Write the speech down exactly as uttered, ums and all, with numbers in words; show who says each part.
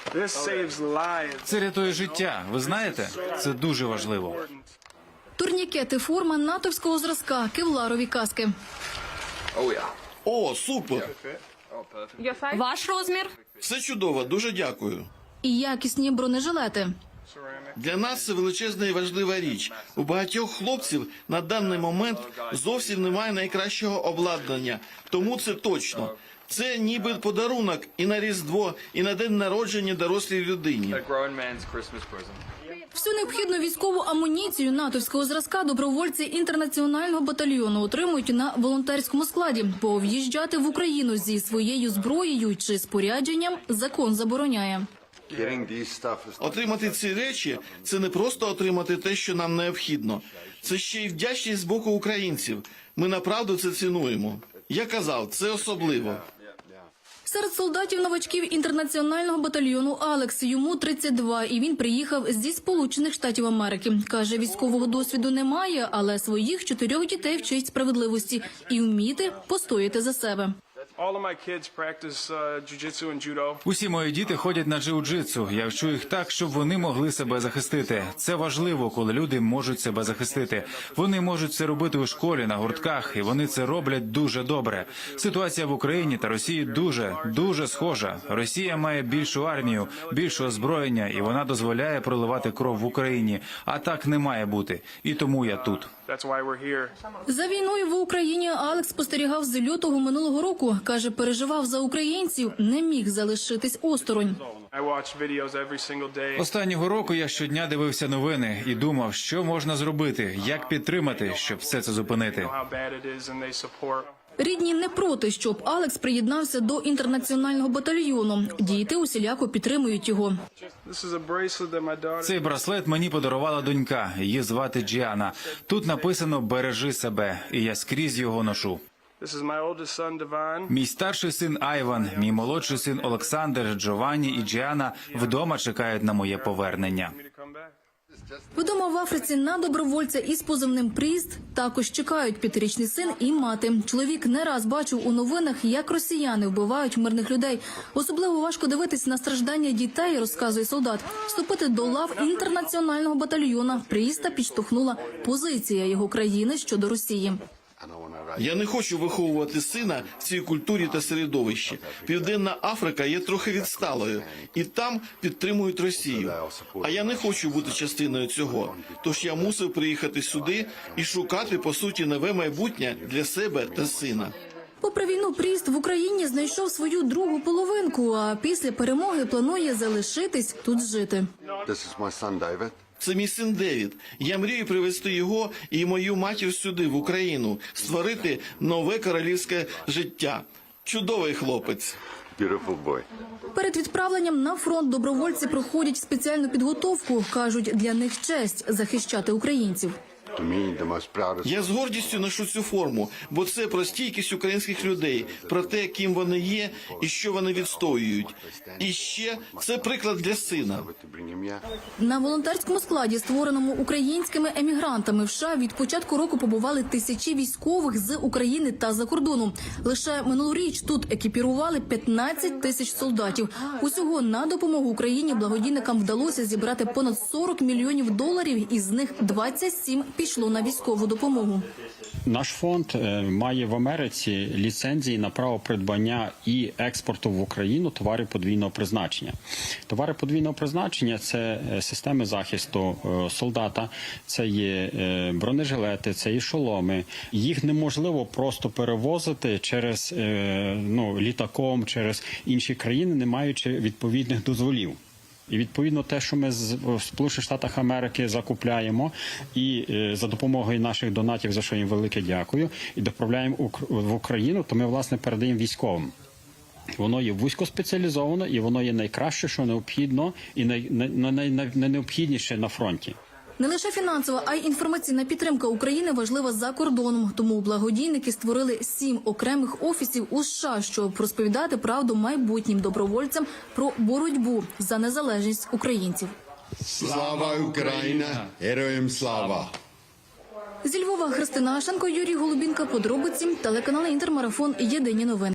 Speaker 1: Це рятує життя. Ви знаєте? Це дуже важливо.
Speaker 2: Турнікети, форма натовського зразка, кевларові каски.
Speaker 3: О, супер!
Speaker 4: Ваш розмір?
Speaker 3: Все чудово, дуже дякую.
Speaker 2: І якісні бронежилети.
Speaker 3: Для нас це величезна і важлива річ. У багатьох хлопців на даний момент зовсім немає найкращого обладнання. Тому це точно. Це ніби подарунок і на Різдво, і на день народження дорослій людині.
Speaker 2: Всю необхідну військову амуніцію натовського зразка добровольці інтернаціонального батальйону отримують на волонтерському складі, бо в'їжджати в Україну зі своєю зброєю чи спорядженням закон забороняє.
Speaker 3: Отримати ці речі – це не просто отримати те, що нам необхідно. Це ще й вдячність з боку українців. Ми направду це цінуємо. Я казав, це особливо.
Speaker 2: Серед солдатів-новачків інтернаціонального батальйону Алекс, йому тридцять два, і він приїхав зі Сполучених Штатів Америки. Каже, військового досвіду немає, але своїх чотирьох дітей вчить справедливості і вміти постояти за себе.
Speaker 1: Усі мої діти ходять на джиу-джитсу. Я вчу їх так, щоб вони могли себе захистити. Це важливо, коли люди можуть себе захистити. Вони можуть це робити у школі, на гуртках, і вони це роблять дуже добре. Ситуація в Україні та Росії дуже, дуже схожа. Росія має більшу армію, більше озброєння, і вона дозволяє проливати кров в Україні. А так не має бути. І тому я тут.
Speaker 2: За війною в Україні Алекс спостерігав з лютого минулого року. Каже, переживав за українців, не міг залишитись осторонь.
Speaker 1: Останнього року я щодня дивився новини і думав, що можна зробити, як підтримати, щоб все це зупинити.
Speaker 2: Рідні не проти, щоб Алекс приєднався до інтернаціонального батальйону. Діти усіляко підтримують його.
Speaker 1: Цей браслет мені подарувала донька. Її звати Джіана. Тут написано «Бережи себе», і я скрізь його ношу. Мій старший син Айван, мій молодший син Олександр, Джованні і Джіана вдома чекають на моє повернення.
Speaker 2: Вдома в Африці на добровольця із позивним «Пріст» також чекають п'ятирічний син і мати. Чоловік не раз бачив у новинах, як росіяни вбивають мирних людей. Особливо важко дивитись на страждання дітей, розказує солдат. Вступити до лав інтернаціонального батальйону «Пріста» підштовхнула позиція його країни щодо Росії.
Speaker 3: Я не хочу виховувати сина в цій культурі та середовищі. Південна Африка є трохи відсталою, і там підтримують Росію. А я не хочу бути частиною цього. Тож я мусив приїхати сюди і шукати, по суті, нове майбутнє для себе та сина.
Speaker 2: Попри війну, Пріст в Україні знайшов свою другу половинку, а після перемоги планує залишитись тут жити.
Speaker 3: Це мій син Девід. Я мрію привезти його і мою матір сюди, в Україну, створити нове королівське життя. Чудовий хлопець.
Speaker 2: Перед відправленням на фронт добровольці проходять спеціальну підготовку. Кажуть, для них честь захищати українців.
Speaker 3: Я з гордістю ношу цю форму, бо це про стійкість українських людей, про те, ким вони є і що вони відстоюють. І ще це приклад для сина.
Speaker 2: На волонтерському складі, створеному українськими емігрантами в США, від початку року побували тисячі військових з України та за кордону. Лише минулоріч тут екіпірували п'ятнадцять тисяч солдатів. Усього на допомогу Україні благодійникам вдалося зібрати понад сорок мільйонів доларів, із них двадцять сім пішло на військову допомогу.
Speaker 5: Наш фонд має в Америці ліцензії на право придбання і експорту в Україну товарів подвійного призначення. Товари подвійного призначення – це системи захисту солдата, це є бронежилети, це є шоломи. Їх неможливо просто перевозити через, ну, літаком, через інші країни, не маючи відповідних дозволів. І, відповідно, те, що ми в Сполучених Штатах Америки закупляємо і за допомогою наших донатів, за що їм велике дякую, і доправляємо в Україну, то ми, власне, передаємо військовим. Воно є вузькоспеціалізовано, і воно є найкраще, що необхідно, і найнеобхідніше на фронті.
Speaker 2: Не лише фінансова, а й інформаційна підтримка України важлива за кордоном. Тому благодійники створили сім окремих офісів у США, щоб розповідати правду майбутнім добровольцям про боротьбу за незалежність українців.
Speaker 6: Слава Україна! Героям слава!
Speaker 2: Зі Львова Христина Ашенко, Юрій Голубінка, подробиці, телеканал Інтермарафон, єдині новини.